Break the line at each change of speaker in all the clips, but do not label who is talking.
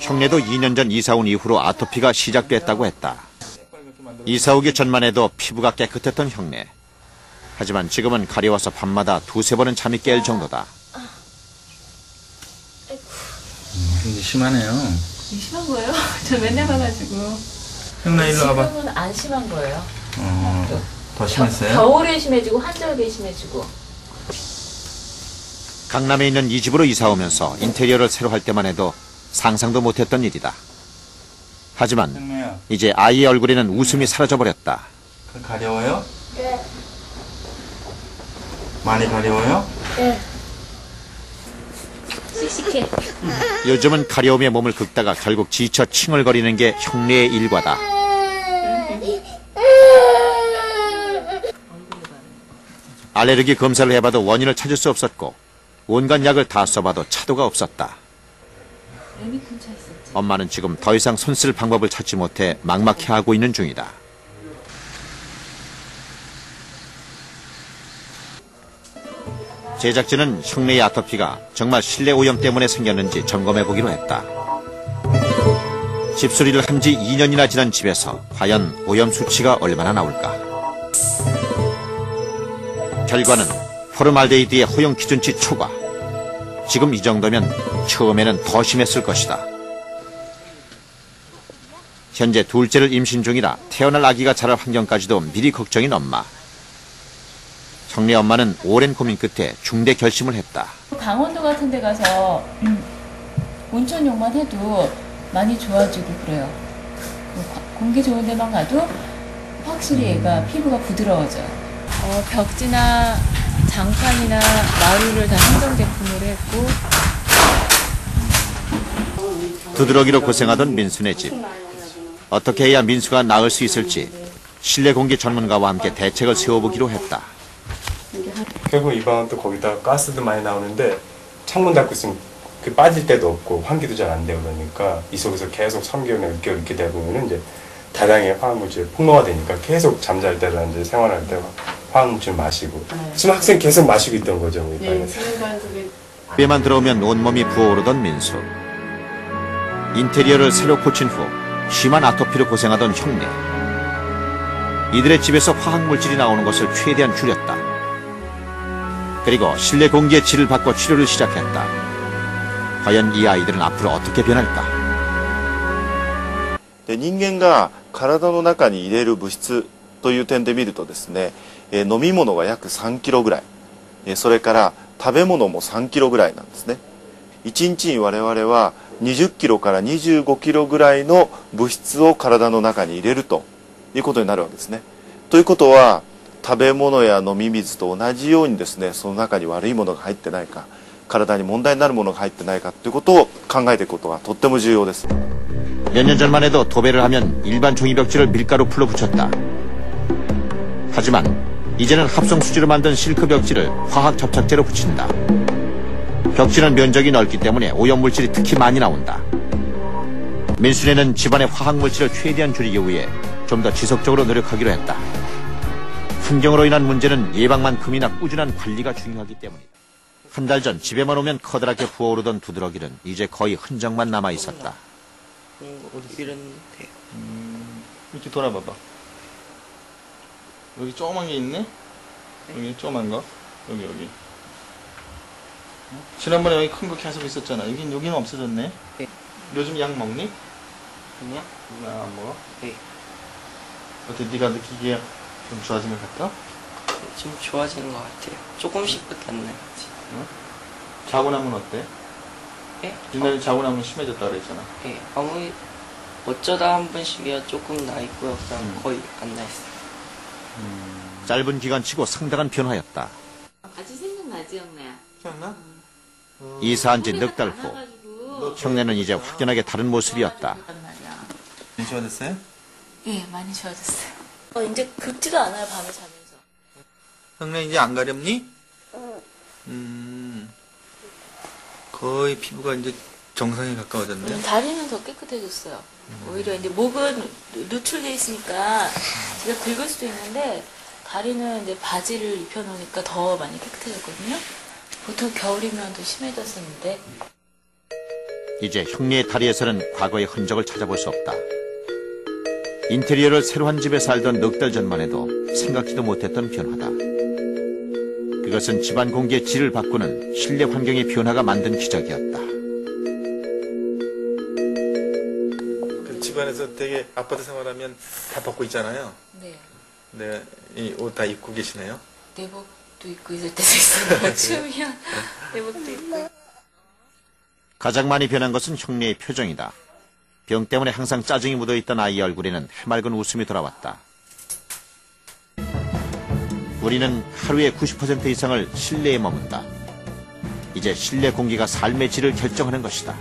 형네도 2년 전 이사 온 이후로 아토피가 시작됐다고 했다. 이사 오기 전만 해도 피부가 깨끗했던 형네. 하지만 지금은 가려워서 밤마다 두세 번은 잠이 깰 정도다.
굉장히 심하네요.
심한 거예요? 저 맨날 봐가지고.
형네 일로 와봐.
지금은 안 심한 거예요.
더 심했어요?
겨울에 심해지고 한절기에 심해지고.
강남에 있는 이 집으로 이사 오면서 인테리어를 새로 할 때만 해도 상상도 못했던 일이다. 하지만
형네야.
이제 아이의 얼굴에는 웃음이 사라져버렸다.
가려워요? 네. 많이 가려워요?
네. 씩씩해.
요즘은 가려움에 몸을 긁다가 결국 지쳐 칭얼거리는 게 형네의 일과다. 알레르기 검사를 해봐도 원인을 찾을 수 없었고 온갖 약을 다 써봐도 차도가 없었다. 엄마는 지금 더 이상 손 쓸 방법을 찾지 못해 막막해하고 있는 중이다. 제작진은 형네의 아토피가 정말 실내 오염 때문에 생겼는지 점검해보기로 했다. 집수리를 한 지 2년이나 지난 집에서 과연 오염 수치가 얼마나 나올까? 결과는 포름알데히드의 허용 기준치 초과. 지금 이 정도면 처음에는 더 심했을 것이다. 현재 둘째를 임신 중이라 태어날 아기가 자랄 환경까지도 미리 걱정인 엄마. 형네 엄마는 오랜 고민 끝에 중대 결심을 했다.
강원도 같은 데 가서 온천욕만 해도 많이 좋아지고 그래요. 공기 좋은 데만 가도 확실히 얘가 피부가 부드러워져요. 벽지나 장판이나 마루를 다 한정 제품으로 했고.
두드러기로 고생하던 민수네 집. 어떻게 해야 민수가 나을 수 있을지 실내 공기 전문가와 함께 대책을 세워보기로 했다.
결국 이방은 또 거기다 가스도 많이 나오는데 창문 닫고 있으면 그 빠질 데도 없고 환기도 잘 안 되고 그러니까 이 속에서 계속 3개월이나 6개월 이렇게 되다 보면은 이제 다량의 화학물질 폭로가 되니까 계속 잠잘 때나 이제 생활할 때 화학물질 마시고 지금 학생 계속 마시고 있던 거죠 우리 반에서.
집에만 들어오면 온몸이 부어오르던 민수. 인테리어를 새로 고친 후 심한 아토피로 고생하던 형네. 이들의 집에서 화학물질이 나오는 것을 최대한 줄였다. 그리고 실내 공기의 질을 바꿔 치료를 시작했다. 과연 이 아이들은 앞으로 어떻게 변할까?
人間が体の中に入れる物質という点で見るとですね、飲み物が約3キロぐらい、それから食べ物も3キロぐらいなんですね。1日に我々は20キロから25キロぐらいの物質を体の中に入れるということになるわけですね。ということは食べ物や飲み水と同じようにですね、その中に悪いものが入ってないか、体に問題になるものが入ってないかということを考えていくことがとっても重要です。
몇 년 전만 해도 도배를 하면 일반 종이벽지를 밀가루 풀로 붙였다. 하지만 이제는 합성수지로 만든 실크 벽지를 화학 접착제로 붙인다. 벽지는 면적이 넓기 때문에 오염물질이 특히 많이 나온다. 민수네는 집안의 화학물질을 최대한 줄이기 위해 좀 더 지속적으로 노력하기로 했다. 환경으로 인한 문제는 예방만큼이나 꾸준한 관리가 중요하기 때문이다. 한 달 전 집에만 오면 커다랗게 부어오르던 두드러기는 이제 거의 흔적만 남아 있었다.
이랬는데. 이렇게 돌아봐봐. 여기 조그만 게 있네? 여기 조그만 거? 여기. 지난번에 여기 큰 거 계속 있었잖아. 여기는 없어졌네?
네.
요즘 약 먹니?
아니요?
안 먹어?
네.
어때? 네가 느끼기에 좀 좋아진 것 같아?
좀 좋아지는 것 같아요. 조금씩밖에 안 나요.
응? 자고 나면 어때?
예?
옛날에 자고 나면 심해졌다 그랬잖아.
예. 어쩌다 한 번씩이야 조금 나 있고요. 그냥 거의 안 나 있어요.
짧은 기간치고 상당한 변화였다.
아직 생각나지, 형네야?
기억나?
이사한 지 넉 달 후 형네는 이제 확연하게 다른 모습이었다.
많이 좋아졌어요?
예, 많이 좋아졌어요. 이제 긁지도 않아요, 밤에 자면서.
형네 이제 안 가렵니? 거의 피부가 이제 정상에 가까워졌네.
다리는 더 깨끗해졌어요. 오히려 이제 목은 노출돼 있으니까 제가 긁을 수도 있는데 다리는 이제 바지를 입혀놓으니까 더 많이 깨끗해졌거든요. 보통 겨울이면 더 심해졌었는데.
이제 형네의 다리에서는 과거의 흔적을 찾아볼 수 없다. 인테리어를 새로 한 집에 살던 넉 달 전만 해도 생각지도 못했던 변화다. 그것은 집안 공기의 질을 바꾸는 실내 환경의 변화가 만든 기적이었다.
그 집안에서 되게 아파트 생활하면 다 벗고 있잖아요.
네.
네, 이 옷 다 입고 계시네요.
내복도 입고 있을 때도 있어요. 추우면 내복도 입고.
가장 많이 변한 것은 형네의 표정이다. 병 때문에 항상 짜증이 묻어있던 아이 얼굴에는 해맑은 웃음이 돌아왔다. 우리는 하루의 90% 이상을 실내에 머문다. 이제 실내 공기가 삶의 질을 결정하는 것이다.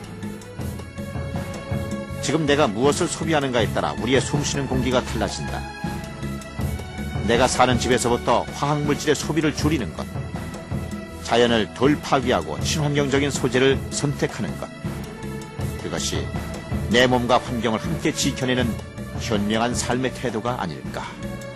지금 내가 무엇을 소비하는가에 따라 우리의 숨쉬는 공기가 달라진다. 내가 사는 집에서부터 화학물질의 소비를 줄이는 것, 자연을 덜 파괴하고 친환경적인 소재를 선택하는 것, 그것이 내 몸과 환경을 함께 지켜내는 현명한 삶의 태도가 아닐까.